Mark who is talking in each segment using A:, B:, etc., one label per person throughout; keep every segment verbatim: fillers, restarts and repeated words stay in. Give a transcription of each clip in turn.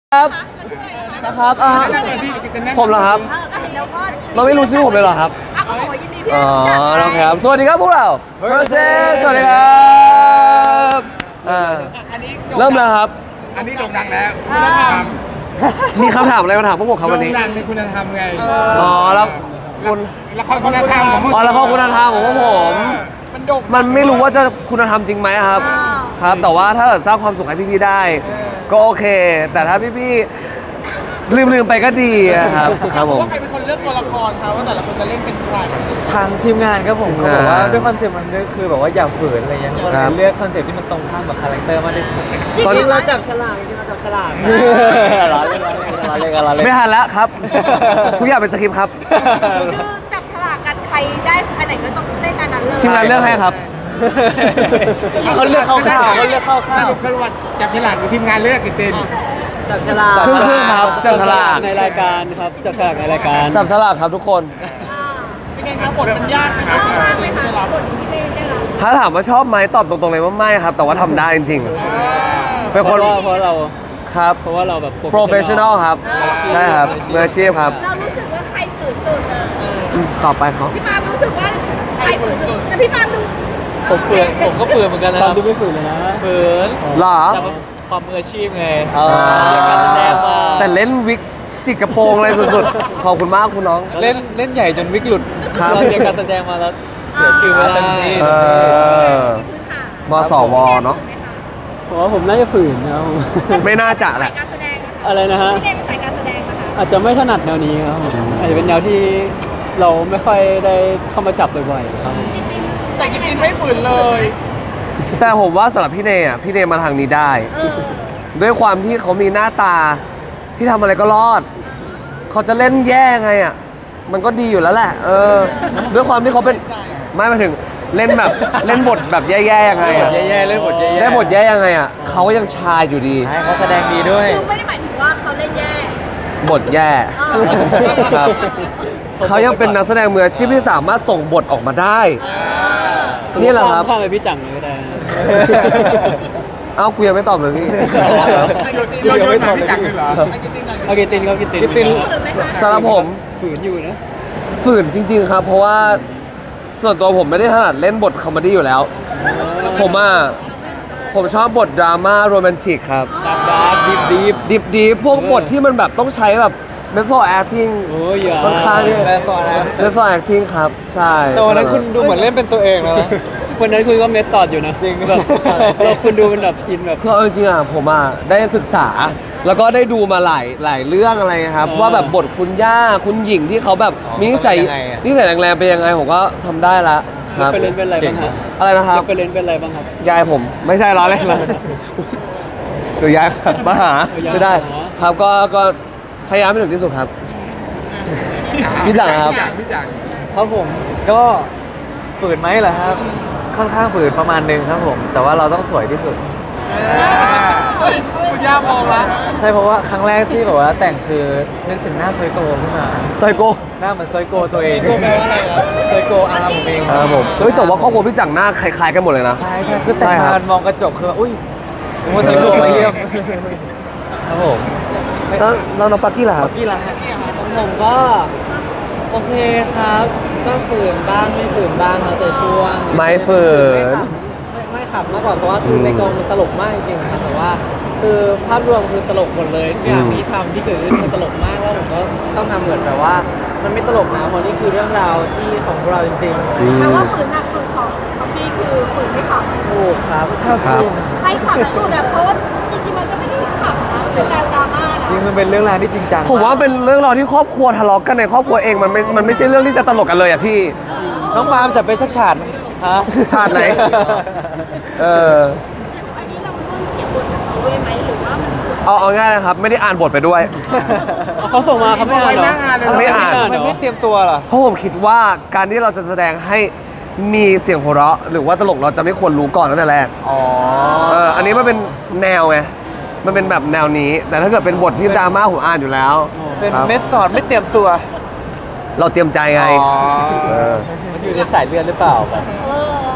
A: ครับนะครับอ่าผมเหรอครับ
B: เออก็เห็นแล้วก็
A: เราไม่รู้ชื่อผมเลยเหรอครับ
B: อ่ะก็บอกว่ายินดีที่
A: อ๋
B: ได้
A: อ
B: รู้จัก
A: โอเคครับสวัสดีครับพวกเรา Versus สวัสดีครับอ่าเริ่มแล้วครับ
C: อันนี้โด่งดังแล้ว
B: เออ
A: มีคำถามอะไรมาถามพวกผมครับวันนี้
C: โด่งดังในคุณธรรมไง
A: อ๋อแล้วคุณ
C: ละครคุณธรรมของ
A: อ๋อแล้วข้อคุณธรรมของพวกผม มันไม่รู้ว่าจะคุณธรรมจริงไหมครับ ครับ แต่ว่าถ้าเกิดสร้างความสุขให้พี่ๆได้ ก็โอเค แต่ถ้าพี่ๆลืมๆไปก็ดีอะครับครับผม
D: ว่าใครเป็นคนเลือกตัวละครครับว่าแต่ละคนจะเล่นเป็นใคร
E: ทางทีมงานครับผม
A: ทีม
E: เขา
A: งาน
E: บอกว่าด้วยคอนเซ็ปต์มันก็คือแบบว่าอย่าฝืนอะไรเงี้ยก็เล
A: ครั
E: ย
A: บ
E: เลือกคอนเซ็ปต์ที่มันตรงข้ามกับคาแรคเตอร์มากที่สุด
B: จริง
A: ตอน
B: ๆเราจับ
E: ฉลากจริงๆเราจับฉลากร้อนเล่นร้อนเล่นร้อนเล่น
A: ไม่ทันแล้วครับ ทุกอย่างเป็นสคริปต์ครับ
B: คือจับฉลากกันใครได้อันไหนก็ต้องเล่นอันนั้นเลย
A: ทีมงานเลือกให้ครับ
E: เขาเลือกเข้าข้าวเขาเลือกเข้า
C: ส
E: ข้าว
C: รุปคือว่าจับฉลากอยู่ทีมงานเลือกกี่เต้น
E: จับฉลาก
A: ครึ่งๆครับจับฉลาก
E: ในรายการครับจับฉลากในรายการ
A: จับฉลากครับทุกคน
B: อ่า
D: เป็นไงครับบทมันยากไหมค
B: ช
D: รับ
B: อบมากเลยค่ะบทที่เล่นได้รับ
A: ถ้าถามว่าชอบไหมตอบตรงๆเลยว่าไม่ครับ แต่ว่าทำได้จริงๆ เป็น
E: เพ
A: คน
E: ราะว่าเพราะเรา
A: ครับ
E: เพราะว่าเราแบบ
A: professional ครับ ใช่ครับมืออาชีพครับ
B: เรารู้สึกว่าใครฝืนสุดเออ
A: ต่อไปเขา
B: พี่ปาล์มรู้สึกว่าใครฝืนสุดแต่พี่ปาล์มดู
E: ผมเฟื่อนผมก็เฟื่อนเหมือนกันนะครับดูไม่ฝืนเลยนะเฟื่อน
A: เหรอ
E: แต่ว่าความมืออาชีพไงเรียนการแสดงมา
A: แต่เล่นวิกจิกกระโปรงอะไรสุดๆ ขอบคุณมากคุณน้อง
E: เล่นเล่นใหญ่จนวิกหลุด
A: ครับ
E: เราเรียนการแสดงมาแล้วเสียชื่อไม่ได้
A: เออมสวเนาะ
E: ผมว่าผมน่าจะฝืนนะครับ
A: ไม่น่าจะแหละ
B: การแสดง
E: อะไรนะฮะ
B: พี่เล่นสายการแสดงนะคะ
E: อาจจะไม่ถนัดแนวนี้ครับผมอาจจะเป็นแนวที่เราไม่ค่อยได้เข้ามาจับบ่อยๆครับผม
D: แต่กินตินไม่ฝืนเลย
A: แต่ผมว่าสำหรับพี่เนยอ่ะพี่เนยมาทางนี้ได้
B: เออ
A: ด้วยความที่เขามีหน้าตาที่ทำอะไรก็รอด เขาจะเล่นแย่ไงอ่ะ มันก็ดีอยู่แล้วแหละ เออ ด้วยความที่เขาเป็นไม่มาถึงเล่นแบบเล่นบทแบบแย่ๆยังไงอ่ะ
E: แย่ๆเล่นบทแย่ๆ
A: เล่นบทแย่ยังไงอ่ะเขาก็ยังชายอยู่ดี
E: ใช่เขาแสดงดีด้วย
B: คือไม่ได้หมายถึงว่าเขาเล่นแย่
A: บทแย่
B: เออ
A: ครับเขายังเป็นนักแสดงมืออาชีพที่สามารถส่งบทออกมาได้ นี่แหละครับ
E: ข้ามไปพี่จังเลยก็ได้นะ
A: เอ้ากูยังไม่ตอบเลยพี่
C: โยนโยนมาพี่จังเลยเหรอ
D: ไอ้กินตินหน่อย
E: เอากินตินเขากินติน
C: กินติน
A: สำหรับผม
E: ฝืนอยู่นะ
A: ฝืนจริง ๆ ครับ เพราะว่าส่วนตัวผมไม่ได้ถนัดเล่นบทคอมเมดี้อยู่แล้ว ผมอ่ะผมชอบบทดราม่าโรแมนติกครับ
E: ดาร์กดาร์กดิบดิบ
A: ดิบดีพวกบทที่มันแบบต้องใช้แบบ method acting
E: โอ้ยอย่า
A: ค่อนข้างเนี่ย
E: แบฟอร์นะ
A: method acting ครับ ใช่
E: แต่วันนั้นคุณดูเหมือนเล่นเป็นตัวเองแล้วนะวันนั้นคุณก็เมทตอดอยู่นะจริงแบบเราคุณดูเป็นแบบอินแบบ
A: คือเอาจริงๆอ่ะผมอ่ะได้ศึกษา แล้วก็ได้ดูมาหลายหลายเรื่องอะไรครับ
E: อ๋อ
A: ว่าแบบบทคุณย่าคุณหญิงที่เขาแบบ
E: อ๋อ
A: มีนิสัย
E: เขาเป็นยังไงอะ
A: นิสัยแรงๆเป็นยังไงผมก็ทำได้ละครับ
E: ไปเล่นเป็นอะไรบ้างครับ
A: อะไรนะครับ
E: ไปเล่นเป็นอะไรบ้างครับ
A: ยายผมไม่ใช่ล้อเล่นเลยหรือยายมาหา
E: เออยาย
A: ไม่ได้
E: มาหา
A: ครับก็ก็พยายามให้ถึงที่สุดครับ พี่จังครับ
C: พี่จังพี่จัง
F: ครับผมก็ฝืนไหมเหรอครับ ค่อนข้างฝืนประมาณหนึงครับผม แต่ว่าเราต้องสวยที่สุด
D: เฮ้ยคุณย่ามองละ
F: ใช่เพราะว่าครั้งแรกที่แบบว่าแต่งคือนึกถึงหน้าซอยโกขึ้นมา
A: ไซโก
F: หน้าเหมือนซอยโกตัวเอง
E: ไซโกแปลว่าอะไรครับ
F: ซอยโกอาร์ผมเอง
A: ครับผมเฮ้ยแต่ว่าครอบครัวพี่จังหน้าคล้ายๆกันหมดเลยนะ
F: ใช่ใช่คือแต่ง
A: ใช่ครั
F: มา
A: บ
F: มองกระจกคือแบบอุ้ยผมว่าซอยโกมาเยี่ยมครับผม
A: แล้วแล้วน้องปักกี้ล่ะครับ
F: กี่ละฮะ
E: ของผมก็โอเคครับ ก็ฝืนบ้างไม่ฝืนบ้างแล้วแต่ช่วง
A: ไม่ฝืน
E: ไม่ไม่ขับมากกว่าเพราะว่าคือ
A: ม
E: ในกองมันตลกมากจริงๆครับแต่ว่า คือภาพรวมคือตลกหมดเลยทุกอย่าง
A: อืม
E: ที่ทำที่เกิดขึ้นคือตลกมากแล้วผมก็ต้องทำเหมือนแบบว่า มันไม่ตลกนะเพราะนี่คือเรื่องราวที่ของพวกเราจริง
A: อืม
B: แปลว่าฝืนหนักสุดของของพี่คือฝืนไม่ขับ
E: ๆถูกครับ
A: ครับ
B: ใครขับทั้งหมดอะเพราะว่าจริงๆมันก็ไม่ได้ขับนะมันเป็นแนวดราม่านะ
F: จริงมันเป็นเรื่องราวที่จริงจัง
A: ผมว่าเป็นเรื่องราวที่ครอบครัวทะเลาะกันในครอบครัวเองมันไม่มันไม่ใช่เรื่องที่จะตลกกันเลยอ่ะพี่
F: น้องปาล์มจับไปสักฉากฮะ
A: ชาติไหน เออ
B: อันนี้เราร่วมเขียนบทกับเขาด้วยไหมหรือว่ามัน
A: เอาเอาง่ายนะครับ ไม่ได้อ่านบทไปด้วย
E: เขาส่งมาเขาไม่อ่านเหร
C: หน้างานเลย
E: อ
A: ไม่อ่าน
E: เหร
F: มันไม่เตรียมตัวเหรอ
A: เพราะผมคิดว่าการที่เราจะแสดงให้มีเสียงหัวเราะ หรือว่าตลกเราจะไม่ควรรู้ก่อนตั้งแต่แรก
F: อ๋อ
A: เอออันนี้มันเป็นแนวไงมันเป็นแบบแนวนี้ แต่ถ้าเกิดเป็นบทที่ดราม่าผมอ่านอยู่แล้ว
F: เป็น
A: ครับ
F: เมสสอดไม่เตรียมตัว
A: เราเตรียมใจไง
F: อ๋อ
A: เออ
F: มันอยู่ในสายเลือดหรือเปล่าแบบ
B: เออ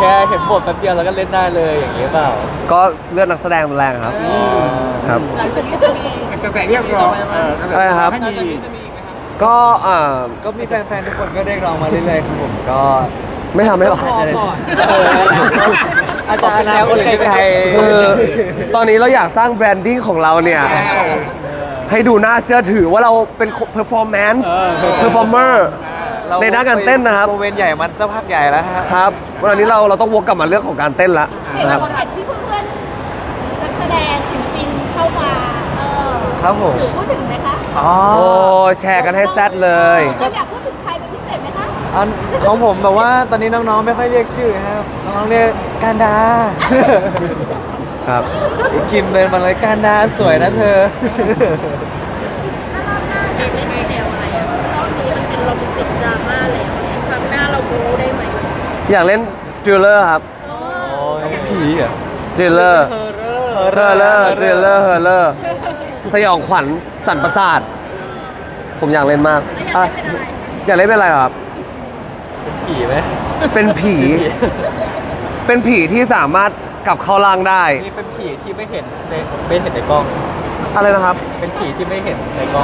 F: แค่เห็นบทแป๊บเดียวแล้วก็เล่นได้เลยอย่างนี้เปล่า
A: ก็เลือดนักแสดงมันแรงครับครับ
D: หลังจากนี้จะมี
C: กระแสเรียกร้อง
A: อะไรครับ
C: ให้
D: หลังจาก
C: มี
D: นี้จะมีอีกไหมครับ
A: ก็อ่า
F: ก็มีแฟนๆทุกคนก็เรียกร้องมาเรื่อยๆครับผมก็
A: ไม่ทำให้หรอก
D: พอก่อน
F: เอออาจจะอนาคตไกลๆ
A: คือตอนนี้เราอยากสร้างแบรนดิ้งของเราเนี่ย ให้ดูน่าเชื่อถือว่าเราเป็น performance performer ในด้านการเต้นนะครับ
F: โมเมนต์ใหญ่มันสักพักใหญ่แล้วฮะ
A: ครับวันนี้เราเราต้องวกกลับมาเรื่องของการเต้นละ
B: เห็น
A: นะครับ
B: คนเห็นที่เพื่อนๆนักแสดงศิลปินเข้ามา เออ
F: ครับผม
B: ถือพูดถึงไหมคะ
F: อ๋อ
A: โอ้แชร์กันให้แซดเลย
B: เราอยากพูดถึงใครเป็นพิเศษไหมคะ
F: อันของผมแบบว่าตอนนี้น้องๆไม่ค่อยเรียกชื่อครับน้องๆเรียกการดา
A: ครับ
F: กินเป็นมาเลยการดาสวยนะเธอ
B: อยากเล่นในแนวอะไรอ่ะรอบนี้มันเป็นโรแมนติกดราม่าแล้วครั้งหน้าเราบู๊ได้ไหม
A: อยากเล่นจิลเลอร์ครับ
F: ผีอ่ะ
A: จิลเลอร์เฮอร์เลอร์จิลเลอร์เฮอร์เลอร์สยองขวัญสั่นประสาท ผมอยากเล่นมากอ่ะอยากเล่นเป็นอะไรเหรอครับ
F: เป็นผีไหม
A: เป็นผี เป็นผีที่สามารถกลับเข้าร่างได้
F: นี่เป็นผีที่ไม่เห็นในไม่เห็นในกล้อง
A: อะไรนะครับ
F: เป็นผีที่ไม่เห็นในกล้อง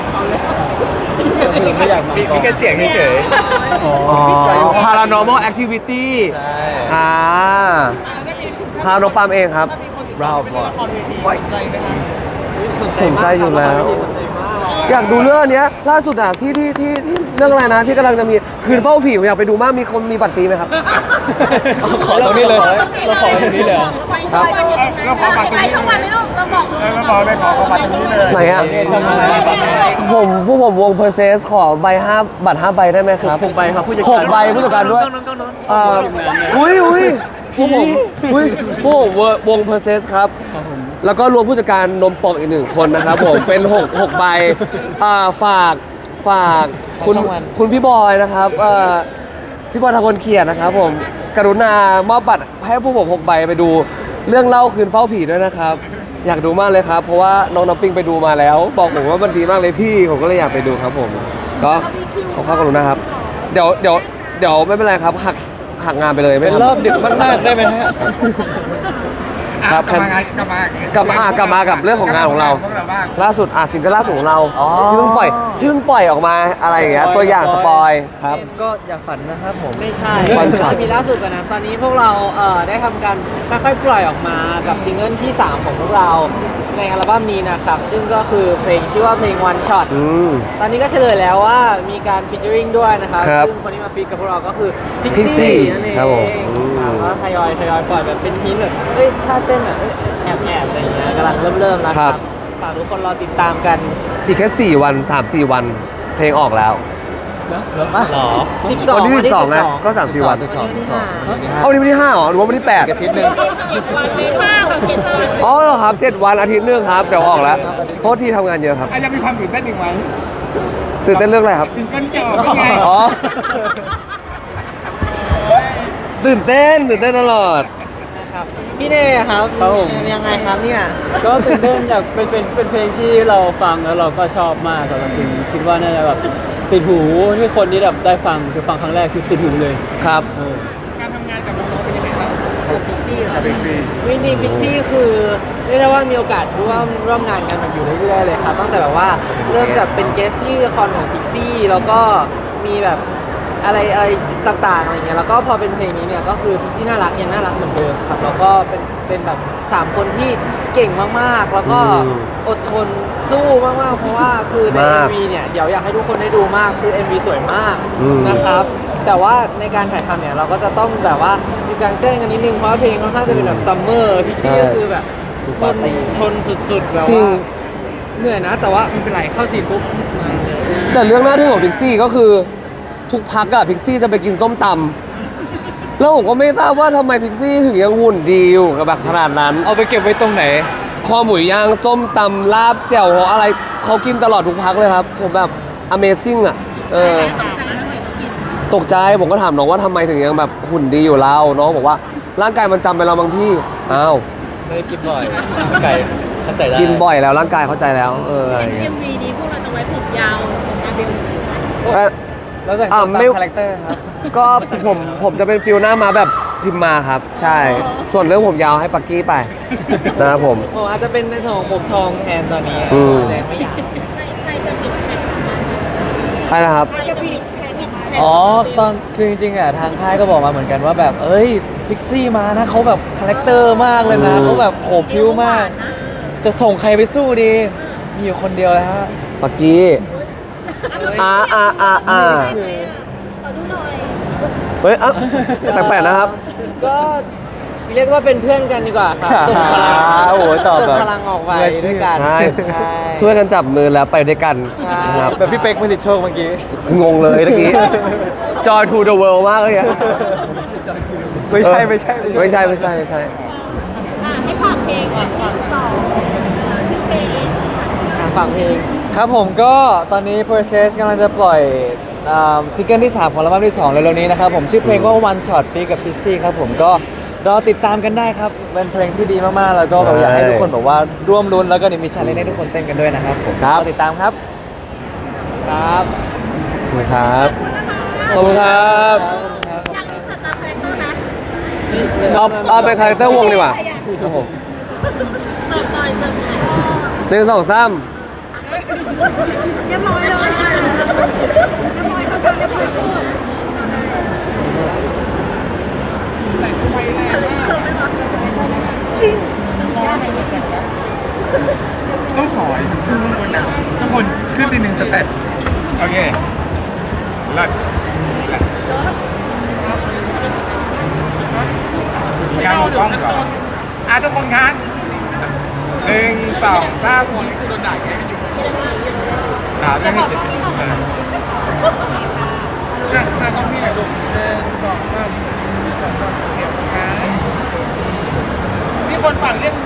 F: ไม่อยากมีมีแค่เสียงเฉย
A: อ๋อ paranormal activity
F: ใช่
A: อ่าพาน้องปามเองครับ
D: ถ้ามีคนติด
F: เรา
D: ต่อไปเล่นละครเวทีสนใจไหมครับ
A: สนใจอยู่แล้ว
D: สนใจมาก
A: อยากดูเรื่องเนี้ยล่าสุดอะที่ที่ที่ที่เรื่องอะไรนะที่กำลังจะมีคืนเฝ้าผีผมอยากไปดูมากมีคนมีบัตรฟรีไหมครับ
F: ขอตรงนี้เลยเราขอตรงนี้เลย
A: ครับ
C: เราขอบัตรตรงนี้
B: ทั้งวันไม่ต้องเราบอกเลย
C: เราบอกเลยขอบัตรตรงนี้เลย
A: ไหนอะ ผมผู้ผมวงเพอร์เซสขอใบห้าบัตรห้าใบได้ไหมครับ
F: หกใบครับผู้จัด
A: ห
F: การ
A: กใบผู้จัดการด้วยอ่าอุ้ยอุ้ยพวกผมอุ้ยพวกผมวงเพอร์เซสครับ แล้วก็รวมผู้จัดการนมปอกอีกหนึ่งคนนะครับผม เป็นหกหกใบอ่าฝากฝากคุณคุณพี่บอยนะครับเอ่อพี่บอยทางคนเขียนนะครับผมกรุณามอบบัตรให้ผู้ผมหกใบไปดูเรื่องเล่าคืนเฝ้าผีด้วยนะครับ อยากดูมากเลยครับ เพราะว่าน้องน้ำปิงไปดูมาแล้ว บอกผมว่ามันดีมากเลยพี่ผมก็เลยอยากไปดูครับผม ก็ขอความกรุณาครับ เดี๋ยวเดี๋ยวเดี๋ยวไม่เป็นไรครับหักหักงานไปเลยไม่
F: เป็น
A: ทำ
F: รอบดึกมากๆได้ไหมฮะ
A: ครับ
C: กลับมาไงกลับมาก
A: ลับมาอ่ะกลับมากับเรื่องของงานของเรา
C: พวกเราบ้าง
A: ล่าสุดอ่ะซิงเกิลล่าสุดของเรา
F: อ๋อ
A: ที่เพิ่งปล่อยที่เพิ่งปล่อยออกมาอะไรอย่างเงี้ยตัวอย่างสปอยครับ
F: ก็อย่าฝันนะครับผม
E: ไม่ใช่
A: วันช็อต
E: มีล่าสุดกันนะ ตอนนี้พวกเราเอ่อได้ทำการค่อยๆปล่อยออกมากับซิงเกิลที่ สาม ของพวกเราในอัลบั้มนี้นะครับ ซึ่งก็คือเพลงชื่อว่าเพลง One Shot
A: อืม
E: ตอนนี้ก็เฉลยแล้วว่ามีการฟีเจอริงด้วยนะครับ
A: ครับ
E: ซึ่งคนที่มาฟีดกับพวกเราก็คือ
A: Pixie
E: Pixie นั่นเอง
A: ครับผมอืม
E: ครับก็ทยอยทยอยปล่อยแบบเป็นฮินแบบเอ้ยท่าเต้นแบบเอ้ยแอบแอบอะไรอย่างเงี้ยกำลังเริ่มเริ่มๆแล้วครับฝากทุกคนรอติดตามกัน
A: อีกแค่สี่วันสามสี่วันเพลงออกแล้ว
F: หรอ
E: สิบสอง
A: วันที่
E: วันที่
A: สิบสองนะ
E: สิบสอง
A: ก็สามสี่วัน
F: สิบสองสิบสอง
A: เอาวันนี้วันที่ห้าเหรอหรือว่าวันที่แปด
F: อาทิตย์หนึ่ง
B: ห้ากับเจ็ดวัน
A: อ๋อเหรอครับเจ็ดวันอาทิตย์หนึงครับเดี๋ยวออกแล้วโทษที่ทำงานเยอะครับ
C: อ่ะยังมีความตื่นเต้นอีกไหม
A: ตื่นเต้นเรื่องอะไรครับ
C: ตื่นเต้นจะออกยังไง
A: อ๋อ ตื่นเต้นตื่นเต้นตลอด
E: ครับพี่เน่ครับ
F: ครับผม
E: ยังไงครับเนี่ย
G: ก็ตื่นเต้นอยากเป็นเป็นเป็นเพลงที่เราฟังแล้วเราก็ชอบมากสำหรับเพลงนี้คิดว่าน่าจะแบบติดหูที่คนที่แบบได้ฟังคือฟังครั้งแรกคือติดหูเลย
A: ครับ
G: เออ
D: การทำงานกับน้องๆเป็นยังไงบ้าง
E: พิกซี่เหรอ
C: กับเป็นฟรี
E: จริงๆพิกซี่คือเรียกได้ว่ามีโอกาสร่วมร่วมงานกันแบบอยู่เรื่อยๆเลยครับตั้งแต่แบบว่าเริ่มจากเป็นเกสที่ละครของพิกซี่แล้วก็มีแบบอะไรอะไรต่างๆอะไรเงี้ยแล้วก็พอเป็นเพลงนี้เนี่ยก็คือพิกซี่น่ารักยังน่ารักเหมือนเดิมครับแล้วก็เป็นเป็นแบบสามคนที่เก่งมากๆ แล้วก็
A: อืม
E: อดทนสู้มากๆเพราะว่าคือใน
A: มาก
E: เอ็ม วีเนี่ยเดี๋ยวอยากให้ทุกคนได้ดูมากคือ เอ็ม วี สวยมาก
A: อืม
E: นะครับ แต่ว่าในการถ่ายทำเนี่ยเราก็จะต้องแบบว่ามีการแจ้งกันนิดนึงเพราะว่าเพลงค่อนข้างจะเป็นแบบซัมเมอร์พิกซี่ก็คือแบบทนทนสุดๆแบบ
A: จริง
E: ว่าเหนื่อยนะ แต่ว่าไม่เป็นไรเข้าซีนปุ๊บมาเลย
A: แต่เรื่องหน้าที่ของพิกซี่ก็คือทุกพักอะพิกซี่จะไปกินส้มตำแล้วผมก็ไม่ทราบว่าทำไมพิกซี่ถึงยังหุ่นดีอยู่กับแบบขนาดนั้น
F: เอาไปเก็บไว้ตรงไหน
A: คอหมูย่างส้มตำลาบแจ่วโหอะไรเขากินตลอดทุกพักเลยครับ ผมแบบ Amazing อะเออตกใจผมก็ถามน้องว่าทำไมถึงยังแบบหุ่นดีอยู่แล้วน้องบอกว่าร่างกายมันจำไปแล้วบางพี่อ้าว
F: ไม่ได้กินบ่อย ไก่เข้าใจได้
A: กินบ่อยแล้วร่างกายเข้าใจแล้วเอออะไรอย่างเงี้
B: เอ็
A: ย
B: มวีนี้พวกเราจะไว้ผมยาวของอาเบลเลย
A: เอ่อ
F: แล้วแต่ง
A: อ่า
F: ตาม
A: ไม่
F: คาแรคเตอร์ครับ
A: ก็ผมผมจะเป็นฟิลหน้ามาแบบพิมพ์มาครับ ใช่ ส่วนเรื่องผมยาวให้ปักกี้ไปนะครับผม
E: โอ้อาจจะเป็นในส่วนของผมทองแทนตอนนี้
A: อืม
E: แต่ไม่อยาก
B: ใครใครจะปิดแผ่น
A: ใช่นะครับ
B: ใครจะปิดแผ่นปิดแผ่น
F: อ๋อตอนคือจริงๆอ่ะทางค่ายก็บอกมาเหมือนกันว่าแบบเอ้ยพิกซี่มานะเขาแบบคาแรคเตอร์มากเลยนะ
A: อืม
F: เขาแบบโหพิ้วมาก จะส่งใครไปสู้ดี มีอยู่คนเดียวเลยฮะ
A: ปักกี้อ่าอ่าอ่าอ่า
B: ขอดูหน่อย
A: เฮ้ยเอ้าแปลกๆนะครับ
E: ก็เรียกว่าเป็นเพื่อนกันดีกว่าครับส่งพลัง
F: โอ้โหตอบ
E: ส่ง
F: แบบ
E: พลังออกไป
F: มืออาชีพ
E: ด้วยกัน
A: ใช่
E: ใช่
A: ช่วยกันจับมือแล้วไปด้วยกัน
E: ใช่
A: นะครับ
F: แบบพี่เป๊กผลิตโชคเมื่อกี้
A: งงเลยเมื่อกี้ Joy to the world มากเลยอะ
F: ไม่ใช่ไม่ใช่
A: ไม่ใช่ไม่ใช่ไม่ใช่
B: อ่ะให้ฝากเพลงก่อนเพลงสองชื่อเพลง
E: อ่ะฟังเพลง
F: ครับผมก็ตอนนี้ Process กำลังจะปล่อยอ่าซิงเกิลที่ สามของอัลบั้มที่สองเร็วๆนี้นะครับผมชื่อเพลงว่า One Shot Free กับ Pixie ครับผมก็รอติดตามกันได้ครับ เป็นเพลงที่ดีมากๆ แล้วก็แบบอยากให้ทุกคนแบบว่าร่วมรุ้นแล้วก็เดี๋ยวมีชาเลนจ์ให้ทุกคนเต้นกันด้วยนะครับผม
A: ครับ
F: รอติดตามครับ
E: ครับ
A: ขอบคุณครับ ขอบคุณครับ
B: อยากอินเสิร์ตตามคาแรคเตอร์นะ
A: เอาเอาเป็นคาแรคเตอร์วงดีกว่าครับผม
B: เสิร์ฟหน่อยเสิร์ฟหน่อย
A: หนึ่งสองสาม
B: เรียบร้อยเลยเรียบร้อยแล้วกันเรียบร้อยสุด
C: ต้องถอยขึ้นข้างบนนะทุกคนขึ้นไปหนึ่งสเต็ปโอเคเลิศการมองกล้องก่อนอ่ะทุกคนครับหนึ่งสองสามคนคือโดนด่าแกไม่อยู่ด่าไม่ให้เจ็บเอออ่ะมาตรงนี้หน่อยดูหนึ่งสองสามสองสามโอเคครับมีคนฝั่งเรียก